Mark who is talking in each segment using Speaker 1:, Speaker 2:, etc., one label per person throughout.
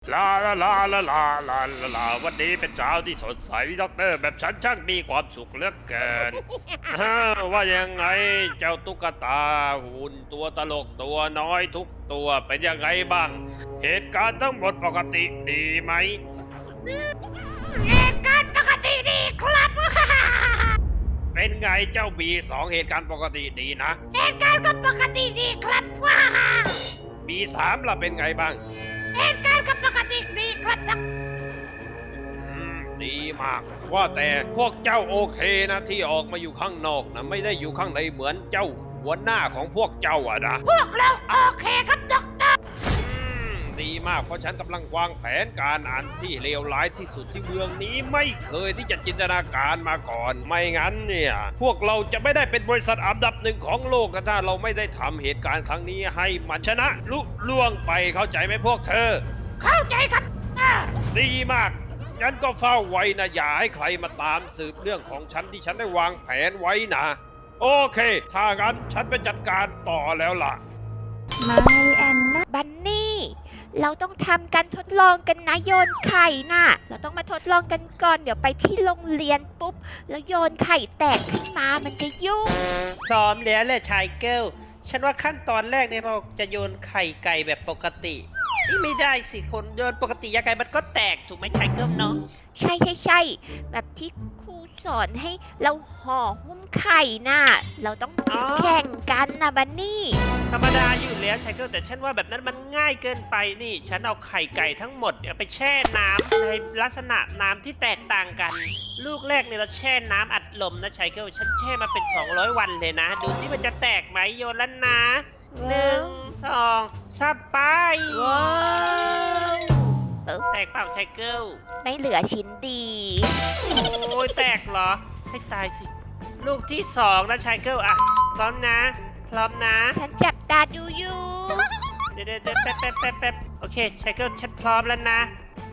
Speaker 1: ลาลาลาลาลาลาลาลาวันนี้เป็นเช้าที่สดใสด็อกเตอร์แบบฉันช่างมีความสุขเหลือเกิน ว่ายังไงเจ้าตุ๊กตาหุ่นตัวตลกตัวน้อยทุกตัวเป็นยังไงบ้าง เหตุการณ์ทั้งหมดปกติดีไหม
Speaker 2: เหตุการณ์ปกติดีครับ
Speaker 1: เป็นไงเจ้าบีสองเหตุการณ์ปกติดีนะ
Speaker 2: เหตุการณ์ก็ปกติดีครับ
Speaker 1: บีสามล่ะเป็นไงบ้าง
Speaker 2: เหตุการณ์ก็ปกติดีครับ
Speaker 1: ดีมากว่าแต่พวกเจ้าโอเคนะที่ออกมาอยู่ข้างนอกนะไม่ได้อยู่ข้างในเหมือนเจ้าหัวหน้าของพวกเจ้าอะนะ
Speaker 2: พวกเราโอเคครับด็อกเตอร์
Speaker 1: ดีมากเพราะฉันกำลังวางแผนการอันที่เลวร้ายที่สุดที่เมืองนี้ไม่เคยที่จะจินตนาการมาก่อน ไม่งั้นเนี่ยพวกเราจะไม่ได้เป็นบริษัทอันดับหนึ่งของโลกนะถ้าเราไม่ได้ทำเหตุการณ์ครั้งนี้ให้มันชนะลุล่วงไปเข้าใจไหมพวกเธอ
Speaker 2: เข้าใจครับ
Speaker 1: ดีมากงั้นก็เฝ้าไว้นะอย่าให้ใครมาตามสืบเรื่องของฉันที่ฉันได้วางแผนไว้นะโอเคถ้างั้นฉันไปจัดการต่อแล้วล่ะ
Speaker 3: ไม่แอนนา
Speaker 2: บันนี่ เราต้องทำการทดลองกันนะโยนไข่น่ะ เราต้องมาทดลองกันก่อนเดี๋ยวไปที่โรงเรียนปุ๊บ แล้วโยนไข่แตกขึ้นมามันจะยุ่ง
Speaker 4: พร้อมแล้วแหละชายเกิลฉันว่าขั้นตอนแรกเนี่ยเราจะโยนไข่ไก่แบบปกตินี่ไม่ได้สิคนโยนปกติยังไงมันก็แตกถูกไหมชายเกิลเนาะ
Speaker 2: ใช่ใช่ใช่แบบที่ครูสอนให้เราห่อหุ้มไข่น่ะ เราต้องแข่งกันนะบันนี่
Speaker 4: ธรรมดาอยู่แล้วชายเกิลแต่ฉันว่าแบบนั้นมันง่ายเกินไปนี่ ฉันเอาไข่ไก่ทั้งหมดเนี่ยไปแช่น้ำในลักษณะน้ำที่แตกต่างกัน ลูกแรกเนี่ยเราแช่น้ำอัดลมนะชายเกิลฉันแช่มาเป็น200 วันเลยนะ ดูสิมันจะแตกไหมโยนแล้วนะ1 2 3ไป
Speaker 2: ว้าว
Speaker 4: แตกเปล่าชายเกิล
Speaker 2: ไม่เหลือชิ้นดี
Speaker 4: โอ้ยแตกเหรอให้ตายสิ ลูกที่2นะชายเกิลอะพร้อมนะ พร้อมนะ
Speaker 2: ฉันจับตาดูอยู่
Speaker 4: เดี๋ยวแป๊บโอเคชายเกิลฉันพร้อมแล้วนะ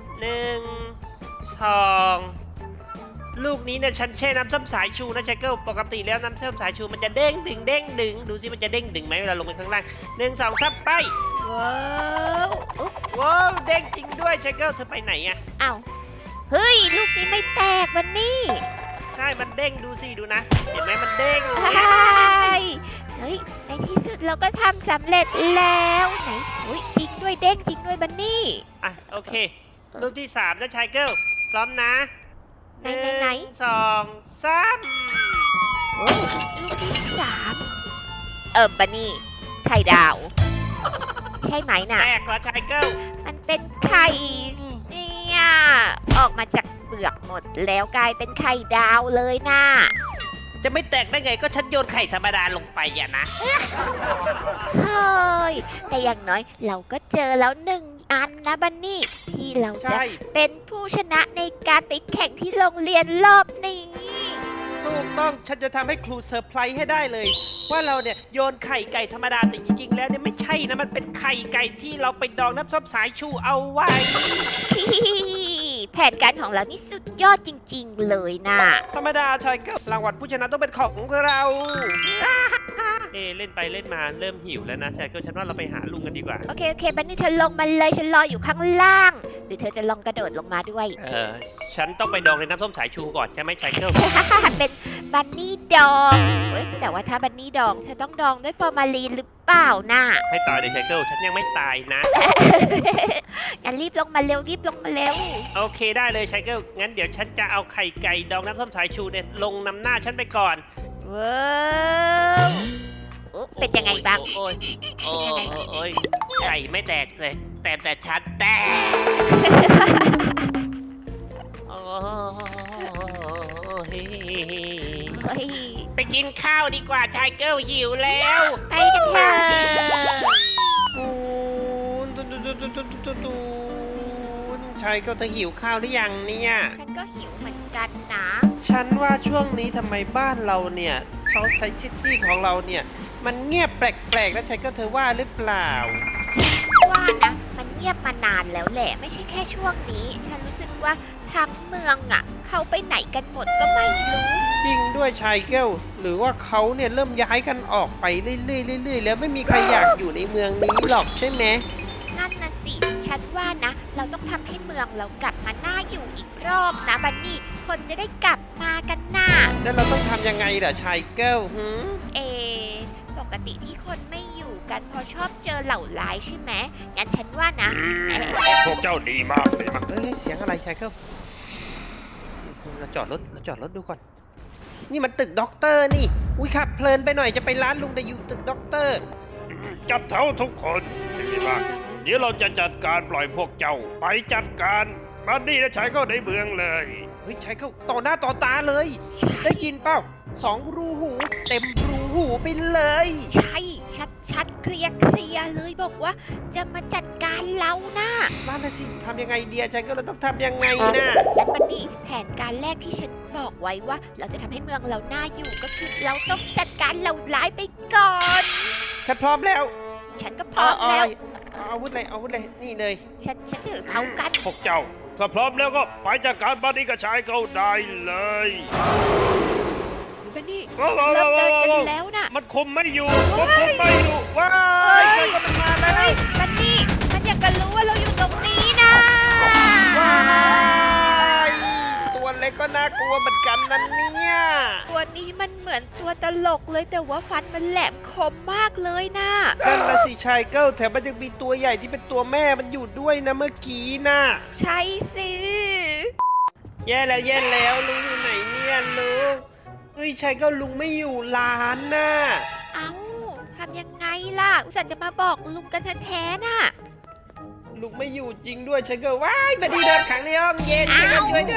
Speaker 4: 1 2ลูกนี้เนี่ยฉันแช่น้ำส้มสายชูนะชายเกิลปกติแล้วน้ำส้มสายชูมันจะเด้งดึงดูสิมันจะเด้งดึงไหมเวลาลงไปข้างล่าง1 2 3ไป
Speaker 2: ว้าวอุ๊บ
Speaker 4: ว้าวเด้งจริงด้วยชายเกิลเธอไปไหนอะ
Speaker 2: อ้าวเฮ้ย ลูกนี้ไม่แตกวันนี้
Speaker 4: ใช่มันเด้งดูสิดูนะ เห็นไหมมันเด้ง
Speaker 2: เฮ้ย ในที่สุดเราก็ทำสำเร็จแล้วไหนอุ้ยจริงด้วยเด้งจริงด้วยบันนี่
Speaker 4: อ่ะโอเคลูกที่3นะชายเกิลพร้อมนะ
Speaker 2: ไหน
Speaker 4: 1 2 3
Speaker 2: โอ้ลูกที่3บันนี่ไข่ดาว ใช่ไหมน่ะ
Speaker 4: แตกแล้วชายเกิล
Speaker 2: มันเป็นไข่เนี่ยออกมาจากเปลือกหมดแล้วกลายเป็นไข่ดาวเลยน่ะ
Speaker 4: จะไม่แตกได้ไงก็ฉันโยนไข่ธรรมดาลงไปอย่านะ
Speaker 2: เฮ้ยแต่อย่างน้อยเราก็เจอแล้ว1 อันนะบันนี่ที่เราจะ
Speaker 4: ใช่
Speaker 2: เป็นผู้ชนะในการไปแข่งที่โรงเรียนรอบนี้
Speaker 4: ถูกต้องฉันจะทำให้ครูเซอร์ไพรส์ให้ได้เลย ว่าเราเนี่ยโยนไข่ไก่ธรรมดาแต่จริงๆแล้วเนี่ยไม่ใช่นะมันเป็นไข่ไก่ที่เราไปดองน้ำส้มสายชูเอาไว้
Speaker 2: แผนการของเรานี่สุดยอดจริงๆเลยนะ
Speaker 4: ธรรมดาชายเกิลรางวัลผู้ชนะต้องเป็นของเรา เล่นไปเล่นมาเริ่มหิวแล้วนะชายเกิลฉันว่าเราไปหาลุงกันดีกว่า
Speaker 2: โอเคบันนี่เธอลงมาเลยฉันรออยู่ข้างล่าง หรือเธอจะลองกระโดดลงมาด้วย
Speaker 4: ฉันต้องไปดองในน้ำส้มสายชูก่อนใช่ไหมชายเกิล
Speaker 2: เป็นบันนี่ดองเฮ้ยแต่ว่าถ้าบันนี่ดองเธอต้องดองด้วยฟอร์มาลีนหรือเปล่าน่ะ
Speaker 4: ไม่ตายเลยชายเกิลฉันยังไม่ตายนะ
Speaker 2: งั้นรีบลงมาเร็วรีบลงมาเร็ว
Speaker 4: โอเคได้เลยชายเกิลงั้นเดี๋ยวฉันจะเอาไข่ไก่ดองน้ำส้มสายชูเนี่ยลงนำหน้าฉันไปก่อน
Speaker 2: ว้าวโอ้เป็นยังไงบ้าง
Speaker 4: โอ้ยโอ้ยไก่ไม่แตกเลยแต่ฉันแตกโอ้ย
Speaker 2: เฮ้ย
Speaker 4: ไปกินข้าวดีกว่าชายเกิลหิวแล้ว
Speaker 2: ไปกันเถอะ
Speaker 4: ชายเกิลจะหิวข้าวหรือยังเนี่ย
Speaker 2: ฉันก็หิวเหมือนกันนะ
Speaker 4: ฉันว่าช่วงนี้ทำไมบ้านเราเนี่ยเซาท์ไซด์ซิตี้ของเราเนี่ยมันเงียบแปลกๆแล้วชายเกิลเธอว่าหรือเปล่า
Speaker 2: ว่านะมันเงียบมานานแล้วแหละไม่ใช่แค่ช่วงนี้ ฉันรู้สึกว่าทั้งเมืองอ่ะเขาไปไหนกันหมดก็ไม่รู้
Speaker 4: จริงด้วยชายเกิลหรือว่าเขาเนี่ยเริ่มย้ายกันออกไปเรื่อยๆแล้วไม่มีใครอยากอยู่ในเมืองนี้หรอกใช่ไหม
Speaker 2: นั่นน่ะสิฉันว่านะ เราต้องทำให้เมืองเรากลับมาน่าอยู่อีกรอบนะบันนี่ คนจะได้กลับมากันน่ะ
Speaker 1: แล้วเราต้องทำยังไงล่ะชายเกิลหืม
Speaker 2: เอ ปกติที่คนไม่อยู่กันเพราะชอบเจอเหล่าร้ายใช่ไหมงั้นฉันว่านะเอ๊ะ
Speaker 1: พวกเจ้าดีมากเลยมากเอ้ยเสียงอะไรชายเกิลเราจอดรถดูก่อน นี่มันตึกด็อกเตอร์นี่ อุ้ยขับเพลินไปหน่อยจะไปร้านลุงแต่อยู่ตึกด็อกเตอร์ จับเท้าทุกคนดีมากเดี๋ยวเราจะจัดการปล่อยพวกเจ้า ไปจัดการบัดดี้และชายก็ในเมืองเลย เฮ้ยชายก็ต่อหน้าต่อตาเลย ได้ยินเปล่า2 รูหู เต็มรูหูไปเลย
Speaker 2: ใช่ ชัดเคลียร์เลยบอกว่าจะมาจัดการเรานะ
Speaker 1: นั่นน่ะสิทำยังไงเดียชายก็เราต้องทำยังไงนะ
Speaker 2: งั้นบันนี่แผนการแรกที่ฉันบอกไว้ว่าเราจะทำให้เมืองเราน่าอยู่ก็คือเราต้องจัดการเหล่าร้ายไปก่อน
Speaker 1: ฉันพร้อมแล้ว
Speaker 2: ฉันก็พร้อมแล้ว
Speaker 1: เอาอาวุธเลยนี่เลย
Speaker 2: ฉันถือเผากัน
Speaker 1: พวกเจ้า ถ้าพร้อมแล้วก็ไปจัดการบัดดี้กับชายเขาได้เลย
Speaker 2: บันนี่
Speaker 1: ว้าว
Speaker 2: เริ่มเดินกันแล้วนะ
Speaker 1: มันคุมไม่อยู่ควบคุมไม่อยู่ว้ายใครก็มันมาแล้ว
Speaker 2: เฮ้ยบันนี่มันอยากจะรู้ว่าเราอยู่ตรงนี้นะ
Speaker 1: ว้ายตัวเล็กก็น่ากลัวเหมือนกันนั่นเนี่ย
Speaker 2: ตัวนี้มันเหมือนตัวตลกเลยแต่ว่าฟันมันแหลมคมมากเลยนะ
Speaker 1: นั่นนะสิชายเกิลแถมมันยังมีตัวใหญ่ที่เป็นตัวแม่มันอยู่ด้วยนะเมื่อกี้น่ะ
Speaker 2: ใช่สิ
Speaker 1: แย่แล้วลุงอยู่ไหนเนี่ยลุงเฮ้ยชายเกิลลุงไม่อยู่ร้านน่ะ
Speaker 2: เอ้าทำยังไงล่ะ อุตส่าห์จะมาบอกลุงกันแท้ๆน่ะ
Speaker 1: ลุงไม่อยู่จริงด้วยชายเกิลว้ายบัดดี้โดนขังในห้องเย็นชายเกิลช่วย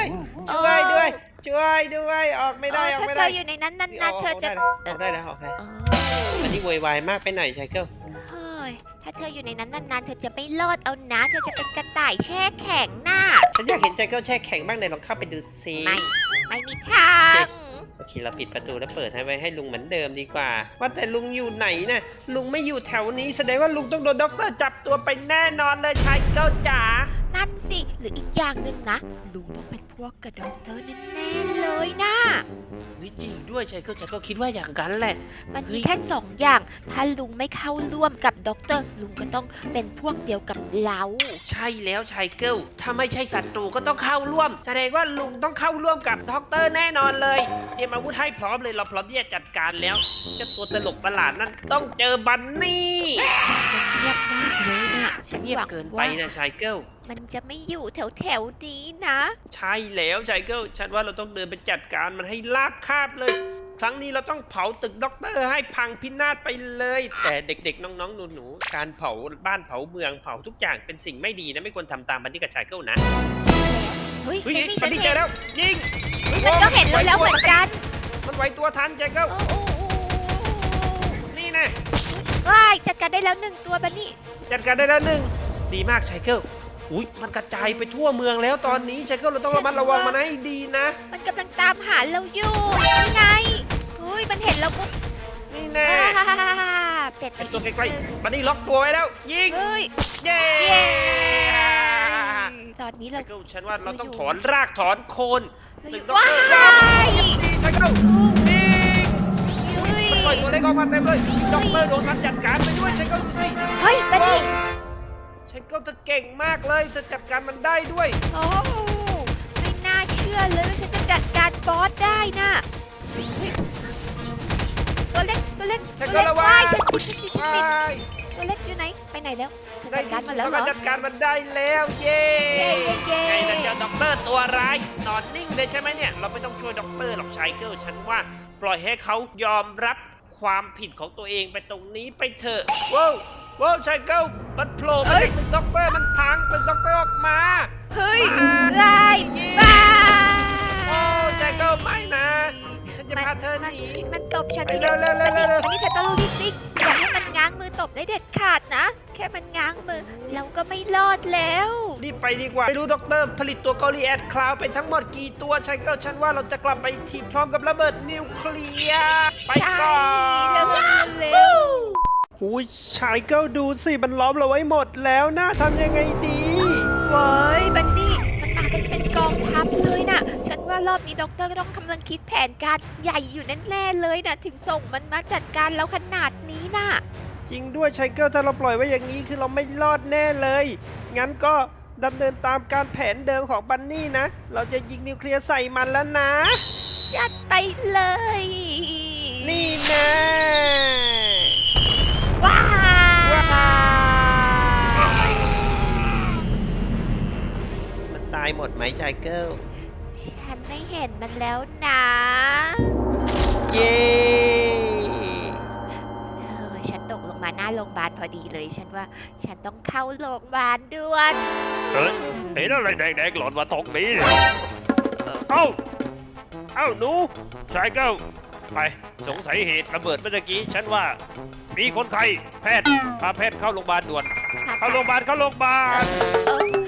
Speaker 1: ด้วยออกไม่ได้ออก
Speaker 2: ถ้า
Speaker 1: ไม่
Speaker 2: เธ
Speaker 1: ได้
Speaker 2: ออยู่ในนั้นนานๆเธอจะ
Speaker 1: ออกได้แล้ว
Speaker 2: เออ
Speaker 1: อันนี้โวยวายมากไปหน่อยชายเกิล
Speaker 2: เฮ้ยถ้าเธออยู่ในนั้นนานๆเธอจะไม่รอดเอานะ เธอจะเป็นกระต่ายแช่แข็งน่ะ
Speaker 1: ฉันอยากเห็นชายเกิลแช่แข็งบ้างไหนลองเข้าไปดูซิ
Speaker 2: ไม่มีทาง
Speaker 1: โอเคเราปิดประตูแล้วเปิดให้ไว้ให้ลุงเหมือนเดิมดีกว่า ว่าแต่ลุงอยู่ไหนน่ะลุงไม่อยู่แถวนี้แสดงว่าลุงต้องโดนด็อกเตอร์จับตัวไปแน่นอนเลยชายเกิลจ๋า
Speaker 2: นั่นสิ หรืออีกอย่างหนึ่งนะ ลุงต้องเป็นพวกกับด็อกเตอร์แน่ๆเลยนะ
Speaker 1: เฮ้ยจริงด้วยชายเกิลคิดว่าอย่างนั้นแหละ
Speaker 2: มันมีแค่สองอย่าง ถ้าลุงไม่เข้าร่วมกับด็อกเตอร์ ลุงก็ต้องเป็นพวกเดียวกับเรา
Speaker 4: ใช่แล้วชายเกิลถ้าไม่ใช่ศัตรูก็ต้องเข้าร่วม แสดงว่าลุงต้องเข้าร่วมกับด็อกเตอร์แน่นอนเลยเตรียมอาวุธให้พร้อมเลยเราพร้อมที่จะจัดการแล้วเจ้าตัวตลกประหลาดนั้นต้องเจอบันนี่
Speaker 2: มันเงียบมากเลยนะฉัน
Speaker 4: เงีย
Speaker 2: ห
Speaker 4: บ
Speaker 2: วัง
Speaker 4: เกินไป
Speaker 2: ว่า
Speaker 4: นะชายเกิล
Speaker 2: มันจะไม่อยู่แถวๆนี้นะ
Speaker 4: ใช่แล้วชายเกิลฉันว่าเราต้องเดินไปจัดการมันให้ราบคาบเลย ครั้งนี้เราต้องเผาตึกด็อกเตอร์ให้พังพินาศไปเลย แต่เด็กๆน้องๆหนูๆการเผาบ้านเผาเมืองเผาทุกอย่างเป็นสิ่งไม่ดีนะไม่ควรทำตามบันนี่กับชายเกิลนะ
Speaker 2: เฮ้ย
Speaker 4: เฮ้ย
Speaker 2: ไม่มี
Speaker 4: บั
Speaker 2: ฉั
Speaker 4: น
Speaker 2: น
Speaker 4: นี่
Speaker 2: เห็
Speaker 4: เจอน แล้วยิง
Speaker 2: มันก็เห็นเราแล้วเหมือนกัน
Speaker 4: มันไหวตัวทันชายเกิล
Speaker 2: โอ้โอ้โอ้
Speaker 4: นี่นะ
Speaker 2: ว้ายจัดการได้แล้วหนึ่งตัวบันนี่
Speaker 4: จัดการได้แล้วหนึ่งดีมากชายเกิลอุ้ยมันกระจายไปทั่วเมืองแล้วตอนนี้ชายเกิลเราต้องระมัดระวังมันให้ดีนะ
Speaker 2: มันกำลังตามหาเราอยู่นี่ไงเฮ้ยมันเห็นเราปุ๊บ
Speaker 4: นี่แน่
Speaker 2: เจ็ดไป
Speaker 4: ตัว
Speaker 2: อีก
Speaker 4: ใกล้
Speaker 2: หนึ่ง
Speaker 4: ๆบันนี่ล็อกตัวไว้แล้ว ยิง
Speaker 2: เฮ้ย
Speaker 4: เย้
Speaker 2: เย้ตอนนี้เรา
Speaker 4: ชายเกิลฉันว่าเราต้องถอนรากถอนโคน
Speaker 2: เราอยู่
Speaker 4: ด็อก
Speaker 2: ว้า
Speaker 4: เตอร์
Speaker 2: ย
Speaker 4: ดีชายเกิลยิง
Speaker 2: เฮ้ย
Speaker 4: มันปล่อยตัวเล็กออกมาเต็มเลยด็อกเตอร์โดนมันจัดการไปด้วยชายเกิลดูสิ
Speaker 2: เฮ้ยบันนี่
Speaker 4: ชายเกิลเธอเก่งมากเลยเธอจัดการมันได้ด้วย
Speaker 2: โอ้ไม่น่าเชื่อเลยว่าฉันจะจัดการบอสได้น่ะเฮ้ยตัวเล็ก
Speaker 4: ฉัน
Speaker 2: ตัว
Speaker 4: ก็
Speaker 2: เล็ก
Speaker 4: ระวัง
Speaker 2: ว้ายฉันติดตัวเล็กอยู่ไหน ไปไหนแล้วเธอจัดการมันแล้วเหรอ
Speaker 4: จัดการมันได้แล้วเย้
Speaker 2: เย้เย้
Speaker 4: ไงนะเจ้าด็อกเตอร์ตัวร้ายนอนนิ่งเลยใช่ไหมเนี่ยเราไม่ต้องช่วยด็อกเตอร์หรอกชายเกิลฉันว่าปล่อยให้เขายอมรับความผิดของตัวเองไปตรงนี้ไปเถอะว้าวว้าวชายเกิลมันโผล่มาจากตึกด็อกเตอร์มันพังตึกด็อกเตอร์ออกมา
Speaker 2: เฮ้ยว้ายว้าย
Speaker 4: โอ้ชายเกิลไม่นะฉันจะพาเธอหนี
Speaker 2: มันตบฉัน
Speaker 4: ไป
Speaker 2: ที
Speaker 4: เร็ว
Speaker 2: เดียว
Speaker 4: เร็วเร็วเร็ว
Speaker 2: อันนี้ฉันต้องรีบวิ่งอย่าให้มันง้างมือตบได้เด็ดขาดนะ แค่มันง้างมือเราก็ไม่รอดแล้ว
Speaker 4: รีบไปดีกว่าไม่รู้ด็อกเตอร์ผลิตตัวกอริแอดคลาวเป็นทั้งหมดกี่ตัวชายเกิลฉันว่าเราจะกลับไปทีมพร้อมกับระเบิดนิวเคลียร์ไปก่อน
Speaker 2: เร็วเร็ว
Speaker 1: อุ้ยชายเกิลดูสิมันล้อมเราไว้หมดแล้วนะทำยังไงดี
Speaker 2: เว้ยบันนี่มันมากันเป็นกองทัพเลยนะฉันว่ารอบนี้ด็อกเตอร์ก็ต้องกำลังคิดแผนการใหญ่อยู่แน่ๆเลยนะถึงส่งมันมาจัดการเราขนาดนี้นะ
Speaker 4: จริงด้วยไชเกิลถ้าเราปล่อยไว้อย่างนี้คือเราไม่รอดแน่เลย งั้นก็ดำเนินตามการแผนเดิมของบันนี่นะ เราจะยิงนิวเคลียร์ใส่มันแล้วนะ
Speaker 2: จัดไปเลย
Speaker 4: นี่นะ
Speaker 2: ว้าว
Speaker 4: มันตายหมดไหมไชเกิล
Speaker 2: ฉันไม่เห็นมันแล้วนะ
Speaker 4: เย้
Speaker 2: ฉันตกลงมาหน้าโรงพยาบาลพอดีเลย ฉันว่าฉันต้องเข้าโรงพยาบาลด่วน
Speaker 1: เฮ้ยเห็นอะไรแดงๆหล่นมาตรงนี้เอ้าหนูชายเก้าไปสงสัยเหตุระเบิดเมื่อกี้ฉันว่ามีคนไข้แพทย์พาแพทย์เข้าโรงพยาบาลด่วนเข้าโรงพยาบาล
Speaker 2: เออ